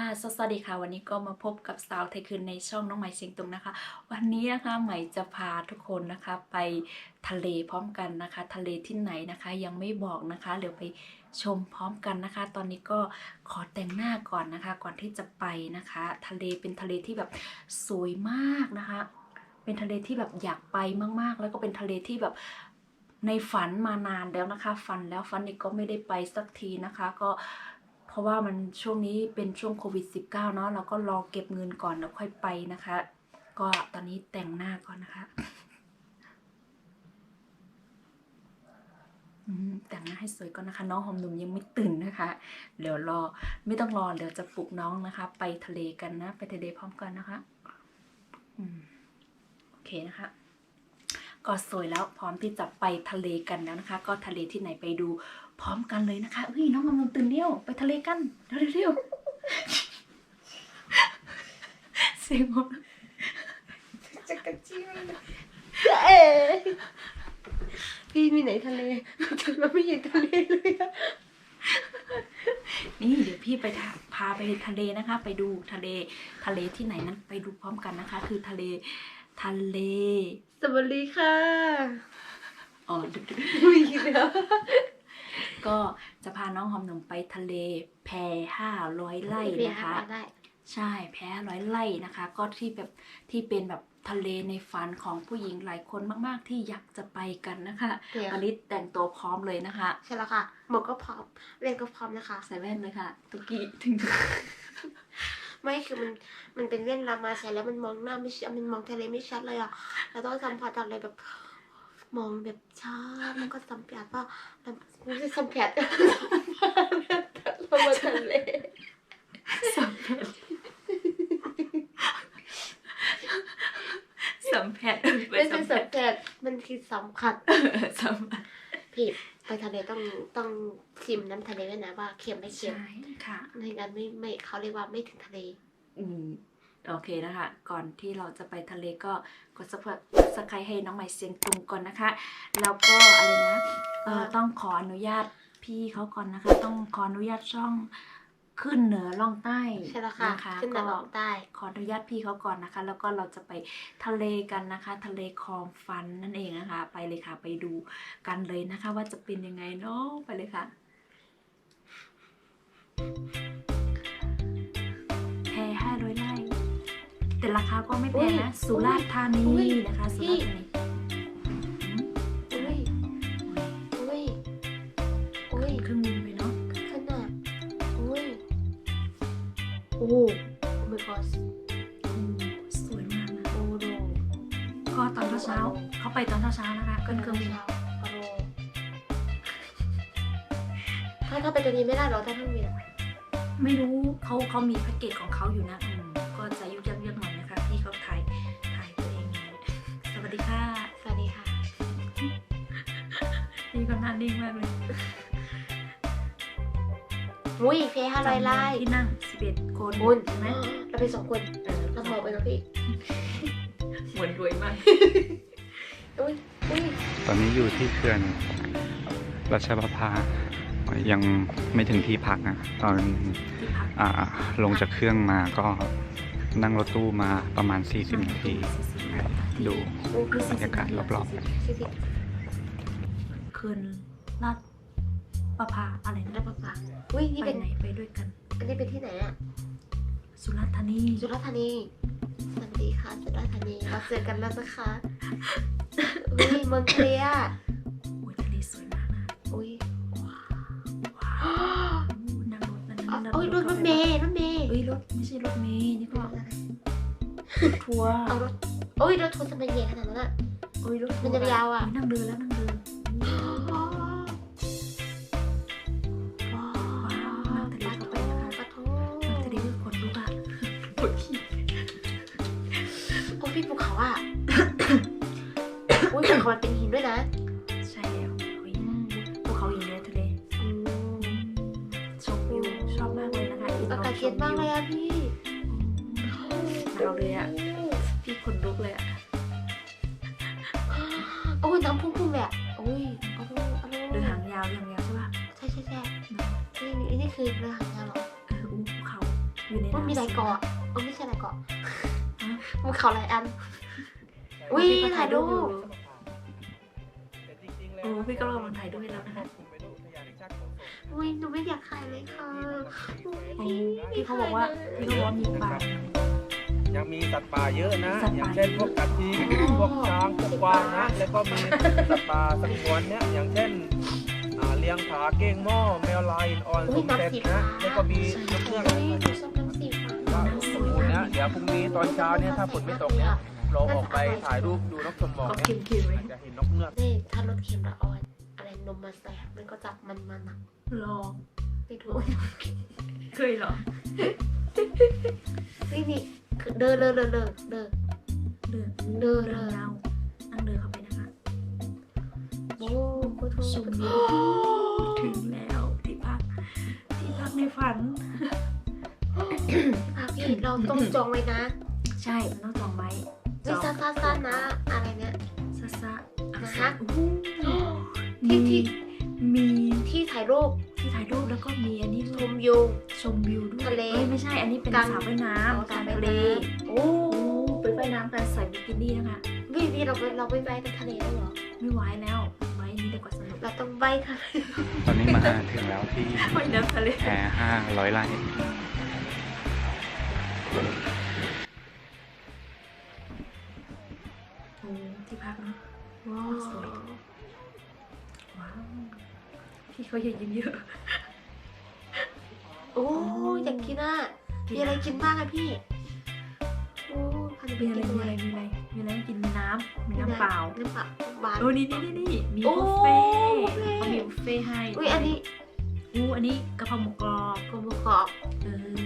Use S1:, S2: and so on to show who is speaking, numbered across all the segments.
S1: สวัสดีค่ะวันนี้ก็มาพบกับสาวไทยคืนในช่องน้องใหม่เชียงตุงนะคะวันนี้นะคะใหม่จะพาทุกคนนะคะไปทะเลพร้อมกันนะคะทะเลที่ไหนนะคะยังไม่บอกนะคะเดี๋ยวไปชมพร้อมกันนะคะตอนนี้ก็ขอแต่งหน้าก่อนนะคะก่อนที่จะไปนะคะทะเลเป็นทะเลที่แบบสวยมากนะคะเป็นทะเลที่แบบอยากไปมากๆแล้วก็เป็นทะเลที่แบบในฝันมานานแล้วนะคะฝันแล้วฝันอีกก็ไม่ได้ไปสักทีนะคะก็เพราะว่ามันช่วงนี้เป็นช่วงโควิด -19 เนาะเราก็รอเก็บเงินก่อนแล้วค่อยไปนะคะก็ตอนนี้แต่งหน้าก่อนนะคะแต่งหน้าให้สวยก่อนนะคะน้องหอมหนุ่มยังไม่ตื่นนะคะเดี๋ยวรอไม่ต้องรอเดี๋ยวจะปลุกน้องนะคะไปทะเลกันนะไปทะเลพร้อมกันนะคะโอเคนะคะก็สวยแล้วพร้อมที่จะไปทะเลกันแล้วนะคะก็ทะเลที่ไหนไปดูพร้อมกันเลยนะคะเฮ้ยน้องหอมหนุ่มตื่นเร็วไปทะเลกันเร็วเสียงหมด
S2: จะกระจิ้มพี่มีไหนทะเลเราไม่เห็นทะเลเลยอะ
S1: นี่เดี๋ยวพี่ไปพาไปทะเลนะคะไปดูทะเลที่ไหนนั้นไปดูพร้อมกันนะคะคือทะเล
S2: สวัสดีค่ะ
S1: อ๋อ
S2: ไม่คิดแล้ว
S1: ก็จะพาน้องหอมหนุ่มไปทะเลแพ500 ไร่นะคะใช่แพ500 ไร่นะคะก็ที่เป็นแบบทะเลในฝันของผู้หญิงหลายคนมากๆที่อยากจะไปกันนะคะวันนี้แต่งตัวพร้อมเลยนะคะ
S2: ใช่แล้วค่ะหมวกก็พร้อมเล่นก็พร้อมนะคะ
S1: ใส่แว่นเลยค่ะตุกี้ถึง
S2: ไม่คือมันเป็นเล่นรามาใส่แล้วมันมองหน้าไม่ชัดมันมองทะเลไม่ชัดเลยอ่ะเราต้องสัมผัสอะไรแบบมองแบบช้ามันก็สัมผัสว่าไม่ใช่สัมผัสเรามาทะเล
S1: สัมผัส
S2: ไม่ใช่สัมผัสมันคือสัมผัสพี่ไปทะเลต้องชิมน้ำทะเลด้วยนะว่าเค็มไม่เค็ม
S1: ใช่ค่ะ
S2: ในนั้นไม่เขาเรียกว่าไม่ถึงทะเล
S1: โอเคนะคะก่อนที่เราจะไปทะเลก็กดซับสไครต์ให้น้องใหม่เสียงตุงก่อนนะคะแล้วก็อะไรนะต้องขออนุญาตพี่เขาก่อนนะคะต้องขออนุญาตช่องขึ้นเหนือล่องใต้
S2: ใช่แล้วค่ะขึ้นเหนือล่องใต้
S1: ขออนุญาตพี่เขาก่อนนะคะแล้วก็เราจะไปทะเลกันนะคะทะเลคลองฟันนั่นเองนะคะไปเลยค่ะไปดูกันเลยนะคะว่าจะเป็นยังไงเนาะไปเลยค่ะแพ500 ไร่แต่ราคาก็ไม่แพงนะสุราษฎร์ธานีนะคะสุราษฎร์ธานีเครื่องบินไปเนาะ
S2: ขนาดโอ้my god
S1: สวยมากนะก็ตอนเช้าเขาไปตอนเช้านะคะเครื่องบิน
S2: ถ้าไปตัวนี้ไม่ได้หรอถ้าเครื่องบิน
S1: ไม่รู้เขามีแพ็กเกจของเขาอยู่นะก็จะยุ่งยากหน่อยนะคะที่เขาถ่ายตัวเองสวัสดีค่ะนี่ก็น่านิ่งมากเลย
S2: เพ500 ไร่
S1: ที่นั่ง11 คนใช่ไหม
S2: เราไป2 คนเราพอไปแล้วพี่
S1: เหมือนรวยมาก
S3: ตอนนี้อยู่ที่เขื่อนรัชประภายังไม่ถึงที่พักนะตอนลงจากเครื่องมาก็นั่งรถตู้มาประมาณ40 นาทีดูบรรยากาศรอบ
S1: ๆเขื่อนลาดประภาอะไรนะ
S2: ลาดประภานี่
S1: ไปไหนไปด้วยกัน
S2: อันนี้เป็นที่ไหนอะ
S1: สุราษฎร์ธานี
S2: สวัสดีค่ะสุราษฎร์ธานีเราเจอกันแล้วนะคะเมืองเคลีย
S1: ทะเลสวยมากนะนั่งรถ
S2: รถเมย์
S1: รถไม่ใช่รถเมย์นี่ก็ทัวร์
S2: รถทัวร์จะเป็นใหญ่ขนาดนั้นอะ
S1: รถ
S2: มันจะยาวอะ
S1: นั่งเดิน
S2: พี่ภูเขาอ่ะภูเขามันเป็นหินด้วยนะ
S1: ใช่แล้วภูเขาหินเลยทะเลชมวิวชอบมากเลยนะคะ
S2: อากาศเย็นมากเลยอ่ะพี่
S1: เราเลยอ่ะพี่ขนลุกเลยอ่ะ
S2: น้ำพุ่งเลยอ่ะ
S1: เรือหางยาวใช่ปะ
S2: ใช่นี่คือเรือหางยาวเหรอ
S1: ภูเขาอยู่ใน
S2: ว่า
S1: น้ำ
S2: มีหลายเกาะไม่ใช่หลายเกาะ
S1: ฮะ
S2: มันเขาหลายอันอุ้ย
S1: พี่ก็
S2: ถ่ายรูป
S1: โอ้พี่ก็กำลังถ่ายรูปให้แล้วนะคะ
S2: อุ้ยหนูไม่อยากถ่ายเลยค่ะอุ๊ย
S1: โอ้พี่เขาบอกว่ามีปลา
S4: ยังมีสัตว์ป่าเยอะนะ
S1: สัตว์
S4: อย่า
S1: ป่า
S4: งเช่นพวกกระทิงพวกช้างพวกกวางนะ แล้วก็มีสัตว์ป่าสงวนเนี่ยอย่างเช่นเลี้ยงผาเก้งหม้อแมวลายอ่อนสมเด็จนะ แล้วก็มีนกเงือก
S2: อุ้ยหนูชอบน้ำสีฟ้า
S4: ว่าสมบูรณ์นะเดี๋ยวพรุ่งนี้ตอนเช้าเนี่ยถ้าฝนไม่ตกเนี่ยเราออกไปถ่ายรูปดูนกชมหมอก
S1: ก็
S4: เนี่ย
S1: เค็มๆไว้
S4: อาจจะเห็นนกเงือก
S2: นี่ถ้ารสเค็มละอ่อนอะไรนมมาใส่มันก็จับมันอ่ะ
S1: ลอง
S2: ไม่ถูก
S1: เคยเหรอ
S2: นี่คือเดิน
S1: เดิน
S2: เดิ
S1: เดิ
S2: น
S1: นยาวนั่งเดินเข้าไปนะคะ
S2: โอ้โหโท
S1: ชมวิวถึงแล้วที่พักในฝัน
S2: พี่เราต้องจองไว้นะ
S1: ใช่มันต้องจองไว้
S2: ไม่ซ่าๆนะ อะไรเนี่ย
S1: ซาซา
S2: นะคะ
S1: มี มี
S2: ที่ถ่ายรูป
S1: ที่ถ่ายรูปแล้วก็มีอันนี้
S2: ช
S1: ด้วย
S2: มวิว
S1: ชมวิวด้วย
S2: ทะเล
S1: อ้ยไม่ใช่อันนี้เป็น
S2: กลาง
S1: สระว่ายน้ำกลางทะเล
S2: โอ้
S1: โอ้ไปว่ายน้ำกันใส่บิกินี่นะคะ
S2: พี่เราไม่ไปทะเลแล้วเหรอ
S1: ไม่ไหวแล้วไว้นี่ดีกว่าสนุก
S2: เราต้องไปทะเล
S3: ตอนนี้มาถึงแล้วที่
S1: ว่ายน้ำทะเล
S3: แพ500 ไร่
S1: โอ้ที่พักเนาะ
S2: ว้าว
S1: สวย ว้าวพี่เขาอย่ายิ้มเยอะ
S2: โอ้อยากกินอ่ะมีอะไรกินบ้างอะพี่โอ้พัน
S1: มี
S2: ธุ์
S1: อะไร
S2: กิน
S1: มี
S2: ด้
S1: อะ
S2: วย
S1: ไรมีอะไรกินมีน้ำน้ำเปล่า
S2: น้ำเปล่าหวาน
S1: โอ้นี่มี
S2: โอ้
S1: บุฟเฟ่ต์
S2: บุฟเฟ่ต์
S1: เขามีบุฟเฟ่ต์ให้
S2: อุ้ยอันนี้
S1: อันนี้กะเพราหมูกรอบ
S2: กลมกรอบ
S1: เออ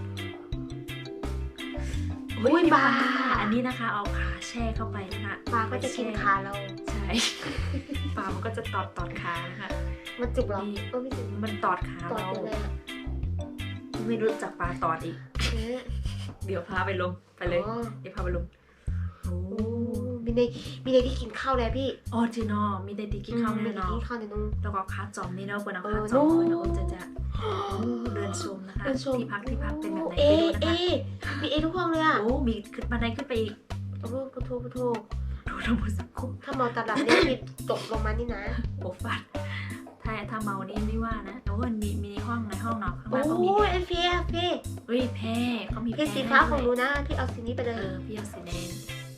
S2: อุ้ย
S1: มี
S2: ปลา
S1: อันนี้นะคะ เอาขาแช่เข้าไปนะคะ
S2: ปลาก็จะกินขาเรา
S1: ใช่ ปลามันก็จะตอดขานะคะ
S2: มันจุกเหรอ
S1: นี่
S2: ไม่จุก
S1: มันตอดขา
S2: ตอด
S1: เรา
S2: ยังไงอะ
S1: ไม่รู้จักปลาตอดอีก
S2: เอ๊ะ
S1: เดี๋ยวพาไปลงไปเลย
S2: อ๋อ
S1: เดี๋ยวพาไปลงโอ้
S2: โอ้มีในที่กินข้าวเลยพี่
S1: ออจินอมีได้ดีกินข้าวแน่นอน
S2: กินข้าวในนู้น
S1: แล้วก็ขาจอมนี่เนาะคนเอา
S2: เอ
S1: ขา
S2: อ
S1: จอม
S2: นู่น
S1: เลยนะโอ้จะเดินชมนะคะ
S2: เดินชม
S1: ที่พักเป็นแบบไหน
S2: เอ
S1: ไปดูนะคะ
S2: มีทุกห้องเลยอ่ะ
S1: โอ้มีขึ้นบันไดขึ้นไปอีก
S2: โอ้พุทโธพุทโธ
S1: ดูทั้งหมดสักคุ
S2: ถ้าเมาตาหลับเนี่ยมีตกลงมานี่นะ
S1: โอ้ฟัดถ้าเมานี่ไม่ว่านะแต่ว่ามันมีในห้องนอนข้างล่างก็มี
S2: โอ้ยเอ็นพีเอฟพี่
S1: เฮ้ยแพรเขามี
S2: พี่สีฟ้าของหนูนะพี่เอาสีนี้ไปเลย
S1: พี่เอาสีแดง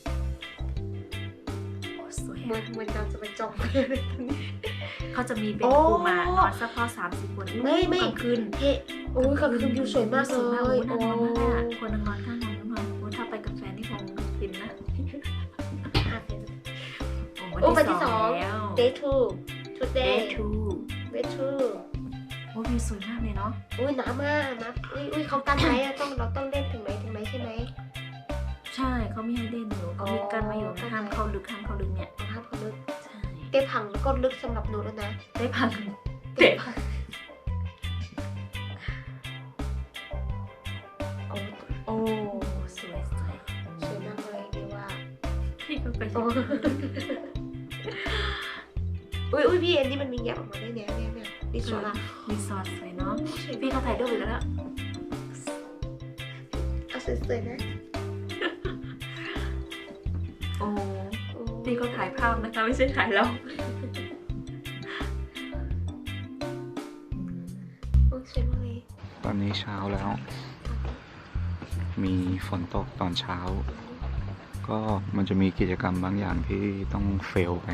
S1: โอ้สวย
S2: เหมือ
S1: อะ
S2: นเราจะไปจองไปเลย
S1: เขาจะมีเป็น
S2: โอ้
S1: กลุ่มมานอนสักพอ30 คน
S2: ไม่
S1: กลางคืน
S2: เฮ้โอ้ยกับคืนวิวสวยมากเล
S1: สวยมาก
S2: ย
S1: โอ้น่านอนมากอะคนนอนข้างนอนข้างนอนโอ้ถ้าไปกับแฟนนี่คงฟินนะ
S2: โอ้วันที่สอง
S1: แล้ว
S2: day two
S1: day
S2: today
S1: two
S2: day two
S1: โอ้วิวสวยมากเลยเนาะ
S2: อุ้ยหนามากนะอุ้ยเขากันไหมอะเราต้องเล่นถึงไหนใช่ไหม
S1: ใช่เขาไม่ให้เล่นอยู่เขามีกันมาอยู่นะห้ามเข้าลึกเนี่ย
S2: เอาครับเขาลึก
S1: ใช่
S2: เต้ผังก็ลึกสำหรับหนูแล้วนะ
S1: ได้พัง
S2: เต้ผังโอ้
S1: โอ้สวย
S2: สวยมากเลยดีว่า
S1: พี่ก็ไป
S2: โอ้อุ้ยพี่อันนี้มันมีแยกออกมาด้วยเนี่ยดิสวะ
S1: รีสอร์ทสวยเนาะพี่เขาถ่ายรูปอีกแล้ว
S2: เอาสวยๆนะ
S1: โอ้พี่ก็ถ่ายภาพนะคะไม่ใช่ถ่ายเรา
S2: โอ้สวยมากเลย
S3: ตอนนี้เช้าแล้ว มีฝนตกตอนเช้า ก็มันจะมีกิจกรรมบางอย่างที่ต้องเฟลไป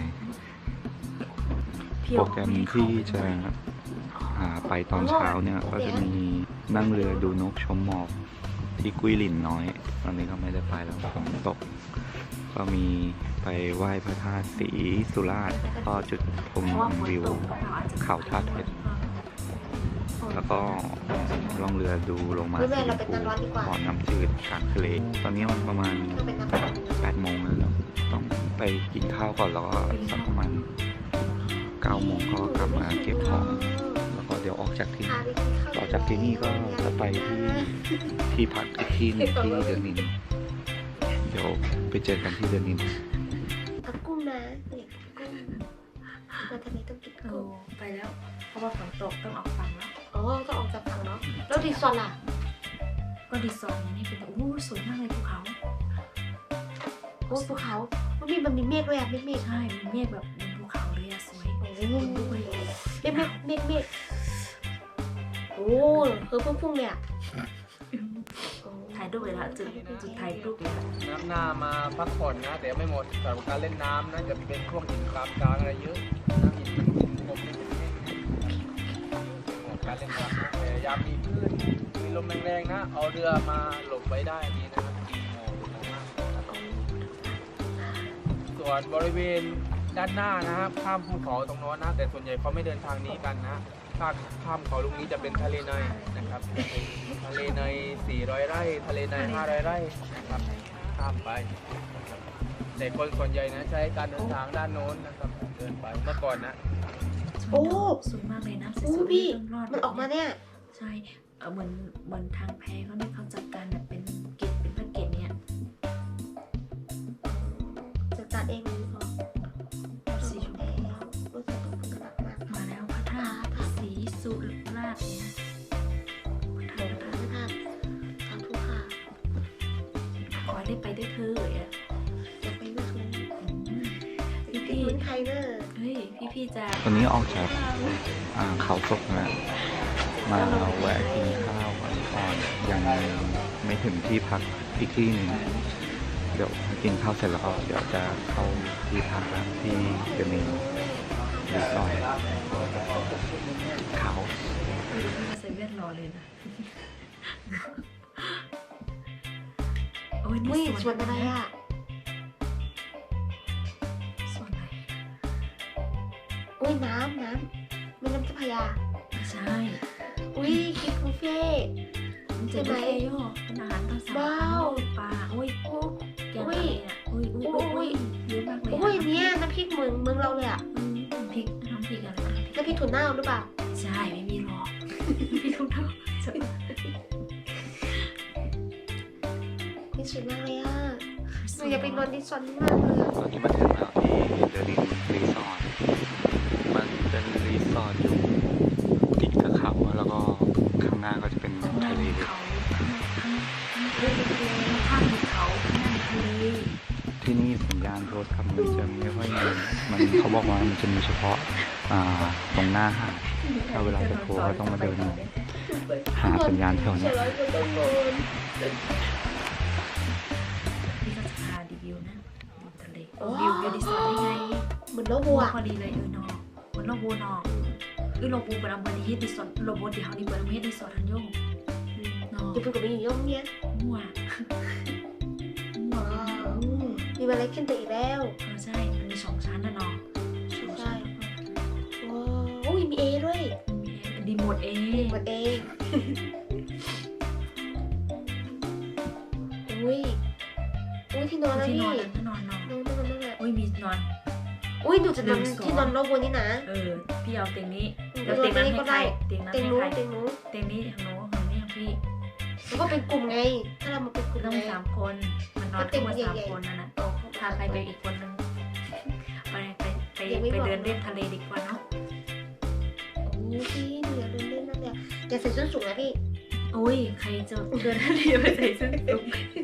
S3: โปรแกรมที่จะไปตอนเช้าเนี่ยก็จะมีนั่งเรือดูนกชมหมอกที่กุ้ยหลินน้อย ตอนนี้ก็ไม่ได้ไปแล้วฝนตก ก็มีไปไหว้พระธาตุศรีสุราษฎร์ก็จุดชมวิวเขาธาตุเพชรแล้วก็ล่องเรือดูลงมา
S2: แม่เราเป็นนักร้องดีกว่า
S3: บ่อน้ำจืดกลางทะเล ตอนนี้มันประมาณ
S2: เราเป็นนักร้อง
S3: 8 โมงแล้วต้องไปกินข้าวก่อนแล้วก็สักประมาณ9 โมงก็กลับมาเก็บของแล้วก็เดี๋ยวออกจากที่นี่ต่อจากที่นี่ก็จะไปที่พักอีกที่หนึงที่เดือนนิน เดี๋ยวไปเจอกันที่เดือนนิน
S2: เอากุ้งนะเด็กกุ้งมาทะเลต้องกิน
S1: โอ้
S2: กุ้ง
S1: ไปแล้ว เพราะว่าฝนตกต้องออกฝั่งแล้ว
S2: อ๋อต้องออกจากฝั่งเนาะแล้วรีสอร์ทล่ะ
S1: ก็รีสอร์ทนี่เป็นโอ้สวยมากเลยภูเขา
S2: โอ้ภูเขามันมีเมฆด้วยอะเมฆ
S1: ใช่มีเมฆแบบบนภูเขาเลยอะสวย
S2: โอ้
S1: คนลุกเลย
S2: เมฆโอ้คือพุ่งเลยอะโอ้
S1: ถ่ายรูปเลยละจุดถ่ายรูปเลยละ
S4: น้ำหน้ามาพักผ่อนนะ แต่ไม่หมดสำหรับการเล่นน้ำนะจะเป็นพวกหินกลางอะไรเยอะนะหินงบนี่เป็นเมฆเหมาะการเล่นน้ำนะแต่ยามมีคลื่นมีลมแรงๆนะ เอาเรือมาหลบไว้ได้ดีนะครับดีโมมากส่วนบริเวณด้านหน้านะครับข้ามภูเขาตรงโน้นนะ แต่ส่วนใหญ่เขาไม่เดินทางนี้กันนะ ถ้าข้ามเขาลูกนี้จะเป็นทะเลในนะครับทะเลใน400 ไร่ทะเลใน500 ไร่นะครับข้ามไปนะครับแต่คนส่วนใหญ่นะใช้การเดินทางด้านโน้นนะครับเดินไปเมื่อก่อนนะ
S2: โอ้
S1: สวยมากเลยนะ
S2: โอ้
S1: สวยๆ
S2: พี่
S1: รอด
S2: มันออกมาเนี่ย
S1: ใช่เหมือนทางแพเขาเนี่ยเขาจัดการแบบเป็นเกตเป็นแพ็กเกจเนี่ย
S2: จัดการเองเลยพอ
S1: สีชมพู
S2: แล้วรู้สึกว่ามันกระดักมาก
S1: มาแล้วพระธาตุสีสุราษฎร์เนี่ยพระธาตุ
S2: ไม่ทานสาธุค่ะ
S1: ขอให้ได้ไปด้วยเธออ่ะ
S2: จะไปไม่ถูก
S1: พี่
S2: พี่เหมือนใครเนอะ
S1: เฮ้ยพี่จะ
S3: ตอนนี้ออกจากเขาศกนะมาแวะกินข้าวก่อนยังไม่ถึงที่พักอีกที่หนึ่งเดี๋ยวกินข้าวเสร็จแล้วก็เดี๋ยวจะเข้าที่พักที่เดอะเมนรีสอร์ทเขา
S1: มาใส่แว่นรอเลยนะโอ้ย
S2: อุ้ย
S1: นี่
S2: สวนอะไรอ่ะ
S1: ส่วนไหน
S2: อุ้ยน้ำแม่น้ำเจ้าพระยา
S1: ไม่ใช่
S2: อุ้ยคิดบุฟเฟ่ต์
S1: มันจะไม่โยเป็นอาหารตามสั่ง
S2: ว้าว
S1: ปลาโอ้ย
S2: โอ้
S1: แกงอะไรอ่ะอุ้ยเยอะมากเลย
S2: อุ้ยเนี่ยน้ำพริกเมืองเราเลยอ่ะ
S1: น้ำพริกอะไร
S2: น้ำพริกถั่วเน่าหรือเปล่า
S1: ใช่ไม่มีหรอกไม่มีทุกเท่า
S2: นี่สวยมากเลยอ่ะหนูอยากไปนอนที่สวนนี้มากเลยอะ
S3: ตอนนี้มาถึงแล้วที่เดอะรีสอร์ทมันเป็นรีสอร์ทอยู่ติดกับเขาแล้วก็ข้างหน้าก็จะเป็นทะเล
S1: เขาข้างเขาข้างทะเล
S3: ที่นี่สัญญาณโทรศัพท์มันจะไม่ค่อยมีมันเขาบอกว่ามันจะมีเฉพาะตรงหน้าหาดถ้าเวลาจะโทรก็ต้องมาเดินหาสัญญาณแถวเนี้ย
S1: พี่ก็จะพารีวิวนะดูทะเลวิวดีไซน์ได้ไง
S2: เหมือนโลบัว
S1: พอดีเลยนอกเหมือนโลโบนอกโลโบเป็นอัมเบอร์ที่ดีสอดโลโบที่เขาดีเบอร์ที่ดีสอดทันโยงนอก
S2: จะพูดกับมีอยู่ย่อมเนี่ย
S1: มั่ว
S2: ว้าวมีอะไรขึ้นไปอีกแล้ว
S1: ใช่ มันมี2 ชั้นนะน้อง
S2: ใช่ว้าวอุ้ยมีเอด้วย
S1: ดีหมดเอง
S2: หมดเองอุ้ยที่นอนแล้ว
S1: ที่
S2: พี่
S1: นอนที่นอนนอน
S2: นั่นน่ะ
S1: อุ้ยมีนอน
S2: อุ้ยหนูจะนอนที่นอนโลบัวนี่นะ
S1: พี่เอาเตียงนี้
S2: หนู
S1: แล้ว
S2: จะน
S1: เตี
S2: อย น
S1: ง
S2: ตร
S1: นั้
S2: ง
S1: น
S2: นี้
S1: ให้
S2: ก็
S1: ใคร
S2: ได้
S1: เตียงนั้น
S2: เตียง
S1: ให้
S2: นู้น
S1: ใคร
S2: เตียงนู้น
S1: เตียงนี้ของหนูของนี่ของพี่
S2: แล้วก็เป็นกลุ่มไง ถ้าเรามาเป็นกลุ่ม
S1: ต้อง
S2: ไง
S1: 3 คนมันนอนทั้งหมด3 คนนั่นนะพาใครไปอีกคนนึงไปเดินเล่นทะเลดีกว่าเนาะ
S2: โอ้พี่หนูอยากเดินเล่นนั่นเลยอย่าใส่ส้นสูงนะพี่
S1: อุ้ยใครจะเดินทะเลไปใส่เสื้อสูง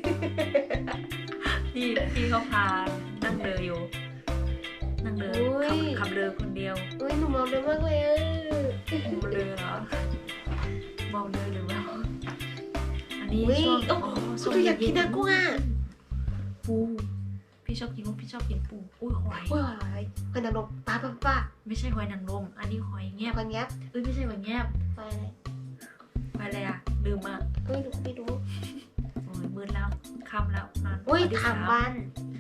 S1: พี่เขาพานั่งเรืออยู่นั่งเรือขับเรือคนเดียว
S2: อุ้ยหนูมองเดินมากเลยอะ
S1: เมาเรือเหรอเมาเรือหรือเปล่าอันนี้
S2: อุ้ย
S1: ช่วง
S2: โอ้คุณอยากกินนะกุ้งอ่ะ
S1: ปูพี่ชอบกินกุ้งพี่ชอบกินปูอุ้ยหอย
S2: อุ้ยหอยหอยนางรมป้า
S1: ไม่ใช่หอยนางรมอันนี้หอยแงบ
S2: คนเนี้ย
S1: เอ้ยไม่ใช่หอยแงบ
S2: หอยอะไร
S1: หอยอะไรอ่ะลืมอ่ะ
S2: อุ้ยหนูไม่รู้
S1: โอ้ยมืดแล้วค่ำแล้วนอน
S2: อุ้ย
S1: ที่
S2: ถาม
S1: 3
S2: วัน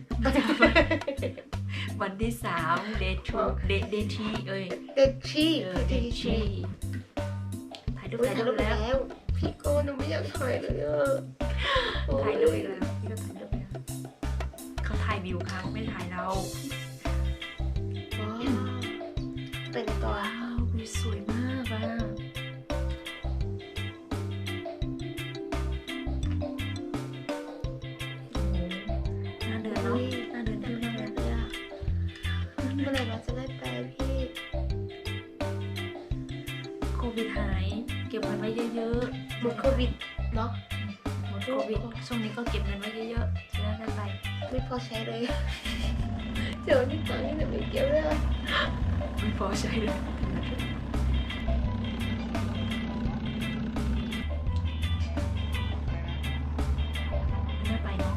S1: วันที่3 day 2 day 3เอ้ย
S2: เด็กชี่
S1: day 3ถ่ายรูป
S2: อุ้ย
S1: ถ่าย
S2: ถ่าย
S1: รู
S2: รู
S1: ป
S2: ป
S1: แล้ว
S2: แล้ว พี่โก้หนูไม่อยากถ่ายเลยอ่ะ
S1: ถ่ายรูปอีกแล้วพี่ก็ถ่ายรูปแล้วเขาถ่ายวิวเขาไม่ถ่ายเรา
S2: ว้าวเป็นตัว
S1: ว้าววิวสวยมากอ่ะโอ้โหน่าเดินเนาะน่าเดินเที่ยวมากเลย
S2: เลยอ่ะเมื่อไหร่เราจะได้ไปพี่
S1: โควิดหายเก็บเงินไว้เยอะๆ
S2: หมดโควิดเนาะ
S1: หโควิดช่วงนี้ก็เก็บเงินไว้เยอะๆจะได้ไป
S2: ไม่พอใช้เลยเดี๋ยวนี่ตังค์นี่ไม่เกี่ยวเลย
S1: ไม่พอใช้เลยไม่ไปเนาะ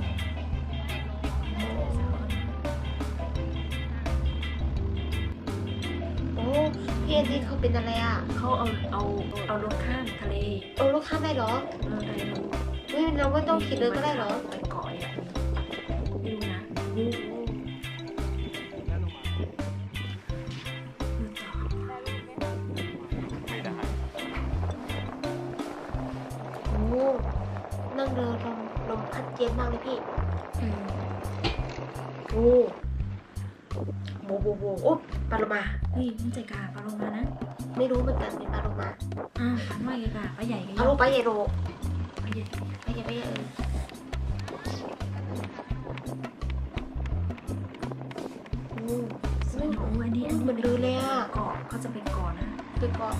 S2: โอ้พี่แอนนี่เขาเป็นอะไรอ่ะ
S1: เขาเอารถข้ามทะเล
S2: เอาลูกข้ามได้เหรอ
S1: ได้เลย
S2: เฮ้ยเราไม่ต้องขี่เรือก็ได้เหรอ
S1: ไปเกาะอย่างนี้ไม่รู้นะดูต่อ
S3: ไม่ได้
S2: โอ้นั่งเรือลมพัดเย็นมากเลยพี่ โอ้โบโอ้ปลาโลมา
S1: นี่มันใจกาปลาลงมานะ
S2: ไม่รู้เหมือนกันเป็นปลาโลมา
S1: ปลาน้อยกาปลาใหญ่ก็
S2: เอาลูกไปใหญ่โล
S1: ปลาใหญ่
S2: ไปใหญ่โอ้
S1: สวยนะโอ้อันนี้
S2: เหมือนเรือเลยอ่ะ
S1: เกาะเขาจะเป็นเกาะนะ
S2: ไปเกาะ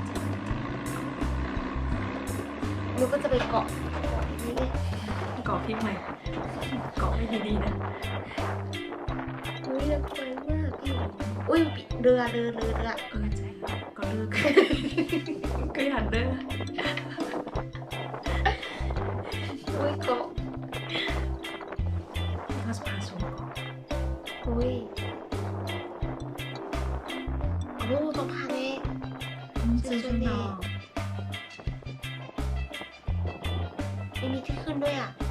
S2: หนูก็จะไปเกาะนี่ไง
S1: เกาะพี่ใหม่เกาะไม่ดีๆนะ
S2: อุ้ยสวยมากพี่อุ้ยเรือ
S1: ใจก็เลิกก็หันเด้อ
S2: อุ้ยเกาะ
S1: เขาจะพาชมเกาะ
S2: อุ้ยโอ้ต้องพาแน่
S1: ซื้อชุดนอน
S2: ไม่มีที่ขึ้นด้วยอ่ะ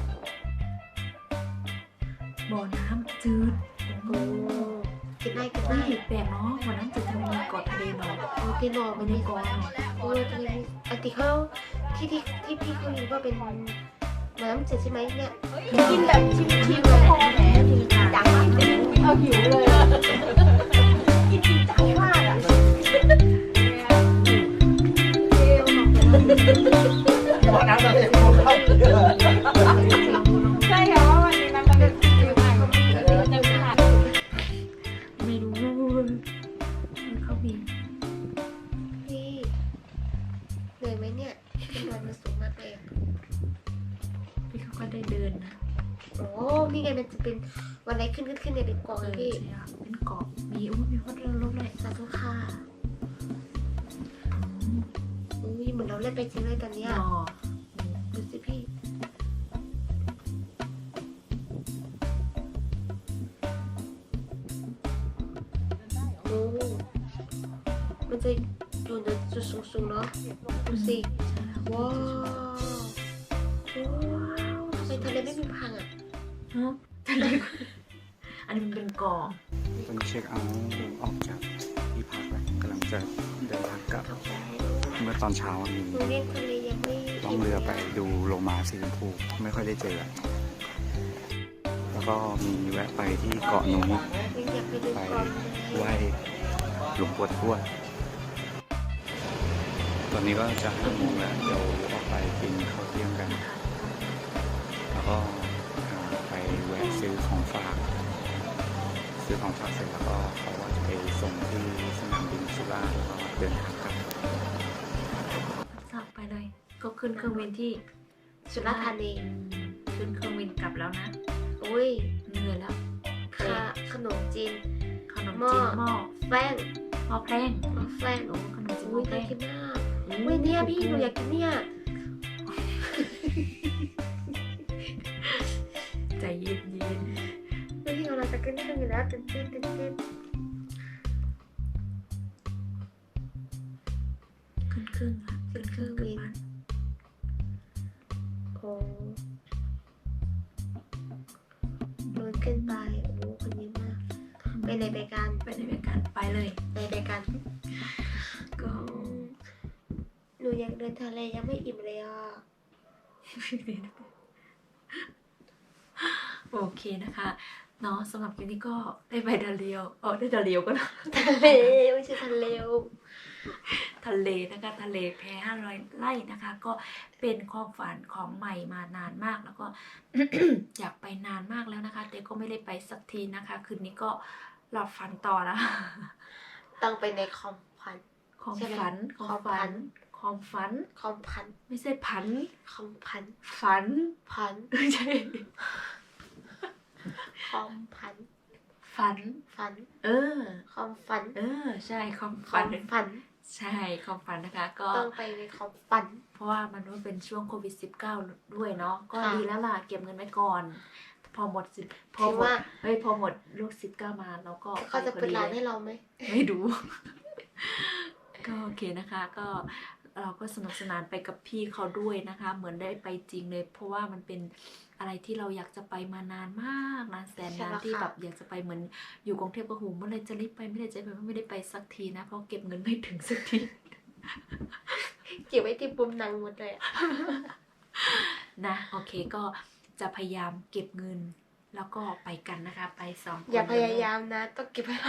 S1: บ่อน้ำจืด
S2: โอ้กินได้
S1: ไม่แปลกเนาะบ่อน้ำจืดทำไมมีเกาะทะเลหนอ
S2: โอ้พี่หนอ
S1: ไม่
S2: มัน
S1: ได้
S2: มี
S1: เกาะหนอ
S2: โอ้จะมีอันที่เขาที่พี่เขาอยู่ว่าเป็นน้ำจืดใช่ไหมเนี่ย
S5: กินแบบชิมๆเลยพอแหมจังเอาหิวเลยอะกินจริงจังมากอ่ะใช่ค่ะว่าวันนี้มันเป็นฟิลใหม่มันจะผ่าน
S1: ไม่รู้เขามี
S2: พี่เหนื่อยไหมเนี่ยเป็นวันมันสูงมากเลยอะ
S1: พี่เขาก็ได้เดินนะ
S2: โอ้นี่ไงมันจะเป็นวันไหนขึ้นเนี่ยเป็นกองเลยพี่
S1: ใช่เป็นเกาะมีพัดเรือลบเลย
S2: สาธุค่ะอุ้ยเหมือนเราเล่นไปจริงเลยตอนเนี้ย
S1: หนอ
S2: ดูสิพี่โอ้มันจะอยู่ในจุดสูงๆเนาะดูสิว้าวโอ้ทำไมทะเลไม่มีพังอ่ะ
S1: ฮะทะเลอันนี้มันเป็นเกาะ
S3: ตอนนี้เช็คเอาท์ออกจากที่พักแล้วกำลังจะเดินทางกลับ
S2: กาแฟ
S3: เมื่อตอนเช้ามี
S2: หนูเรียกทะเลยังไม่
S3: ล่องเรือไปดูโลมาสีชมพูไม่ค่อยได้เจอ แล้วก็มีแวะไปที่เกาะนุ้ง
S2: ยังอยากไปดู
S3: ไป
S2: ก่อน
S3: ไหว้หลวงปู่ทวดตอนนี้ก็จะ5 โมงแล้วเดี๋ยวออกไปกินข้าวเที่ยงกัน แล้วก็ไปแวะซื้อของฝากเสร็จแล้วก็เขาว่าจะไปส่งที่สนามบินสุราษฎร์แล้วก็เดินทางกลับ
S1: สับไปเลย ก็ขึ้นเครื่องบินที่
S2: สุราษฎร์ธานี
S1: ขึ้นเครื่องบินกลับแล้วนะ
S2: อุ้ย
S1: เหนื่อยแล้ว
S2: ขนมจีน
S1: ขนมจีนหม้อ
S2: แป้ง
S1: หม้อแป้ง
S2: แป้ง
S1: โอ้ขนมจีนหม้
S2: อุ้
S1: อย แป้
S2: น่าง กินมากอุ้ยเนี่ยพี่หนูอยากกินเนี่ย
S1: ใจเย็น
S2: อุ้ยเราจะกินเครื่องอยู่แล้วตื่นเต้น
S1: ขึ้นเครื่องละขึ้นเครื่องกลับบ้าน
S2: โอ้ลุ้นขึ้นไปโอ้คนเยอะมากไปไหนไปกัน
S1: ไปในรายการไปเลย
S2: ไปกัน
S1: ก็
S2: หนูอยากเดินทะเลยังไม่อิ่มเลยอ่ะ
S1: โอเคนะคะเนาะสำหรับคลิปนี้ก็ได้ไปดาเลียวได้ดาเลียวก็นะ
S2: ทะเลไม่ใช่ทะเล
S1: ทะเลนะคะทะเลแพ500 ไร่นะคะ ก็เป็นความฝันของใหม่มานานมากแล้วก็ อยากไปนานมากแล้วนะคะ แต่ก็ไม่ได้ไปสักทีนะคะ คืนนี้ก็หลับฝันต่อนะ
S2: ต้องไปในคอมพัน
S1: ความฝัน
S2: ความฝัน
S1: คความฝัน
S2: คอมพัน
S1: ไม่ใช่ผัน
S2: คอมพัน
S1: ฝัน
S2: พัน
S1: ไม่ใช่
S2: คอมพัน
S1: ฝัน
S2: ฝัน
S1: เออ
S2: คอมฝัน
S1: ใช่ความ
S2: คอ
S1: ฝัน
S2: มฝัน
S1: ใช่ความฝันนะคะ ก็
S2: ต้องไปในคอมฝัน
S1: เพราะว่ามันว่าเป็นช่วงโควิด -19 ด้วยเนาะก็
S2: ค่ะ
S1: ดีแล้วล่ะเก็บเงินไว้ก่อน พอหมดพอ
S2: คิด
S1: หมด
S2: ว่า
S1: พอหมดโรค19มาเราก็
S2: เขาจะ
S1: พอ
S2: เปิดร้าน
S1: ลย
S2: ให้เราไหม
S1: ไม่ดู ก็โอเคนะคะ ก็เราก็สนุกสนานไปกับพี่เขาด้วยนะคะ เหมือนได้ไปจริงเลย เพราะว่ามันเป็นอะไรที่เราอยากจะไปมานานมากนานแสนนานที่แบบอยากจะไปเหมือนอยู่กรุงเทพก็หูเมื่อไรจะรีบไปไม่ได้จะไปไม่ได้ไปสักทีนะเพราะเก็บเงินไม่ถึงสักที
S2: เก็บไว้ที่ปุ่มหนังหมดเลยอะ
S1: นะโอเคก็จะพยายามเก็บเงิน แล้วก็ไปกันนะคะ ไป2 คน
S2: อย่าพยายามนะ ต้องเก็บไว้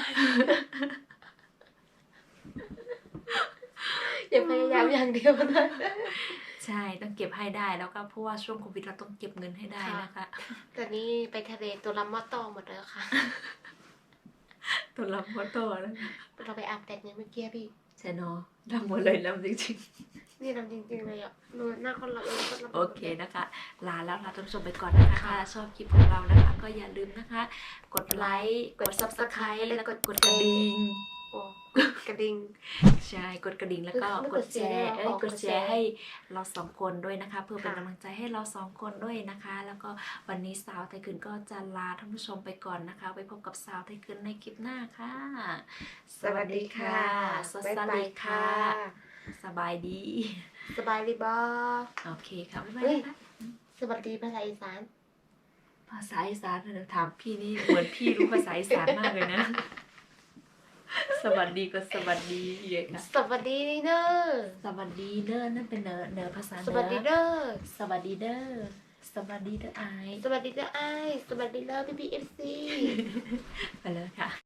S2: อย่าพยายามอย่างเดียวนะ
S1: ใช่ต้องเก็บให้ได้แล้วก็เพราะว่าช่วงโควิดเราต้องเก็บเงินให้ได้นะคะ
S2: ตอนนี้ไปทะเลตัวลำมอตอหมดแล้วค่ะ
S1: ตัวลำโมโตแล้ว
S2: เราไปอาบแดดเนี่ยเมื่อกี้พี่
S1: ใช่เนาะลำหมดเลยลำจริง
S2: นี่ลำจริงๆเลยอ่ะหน้าคนเราเองก็ลำ
S1: ๆโอเคนะคะ ลาแล้วลาท่านผู้ชมไปก่อนนะคะถ้าชอบคลิปของเรานะคะ ก็อย่าลืมนะคะ กดไลค์กด subscribe แล้วก็กดกระดิ่ง
S2: โอ้กระดิ่ง
S1: ใช่กดกระดิ่งแล้วก็
S2: ไม่
S1: ก
S2: ก
S1: ด
S2: ด
S1: แชร์
S2: แชร์
S1: กดแชร์ให้เรา2 คนด้วยนะคะ เพื่อเป็น
S2: ค่ะ
S1: กำลังใจให้เรา2 คนด้วยนะคะ แล้วก็วันนี้สาวไทยคืนก็จะลาท่านผู้ชมไปก่อนนะคะ ไปพบกับสาวไทยคืนในคลิปหน้าค่ะ สวัสดีค่ะสวัส
S2: บ๊ายบา
S1: ดี
S2: ย
S1: ค่ะ สบายดี
S2: สบายดีบอ
S1: โอเคค่ะบ๊ายบาย
S2: เฮ้ย
S1: นะคะ
S2: สวัสดีภาษาอีสาน
S1: ภาษาอีสานเดี๋ยวถามพี่นี่เหมือนพี่รู้ภาษาอีสานมากเลยนะ สวัสดีก็สวัสดีเยอะค่ะ
S2: สวัสดีเนอร์
S1: สวัสดีเด้อนั่นเป็นเนอภาษาเห
S2: ส
S1: นื
S2: วัสดีเนอร์
S1: สวัสดีเด้อสวัสดีเด้อไอาย
S2: สวัสดีเนอร์ไอสวัสดีเนอร์พี่พีเอฟซี
S1: ไปเลยค่ะ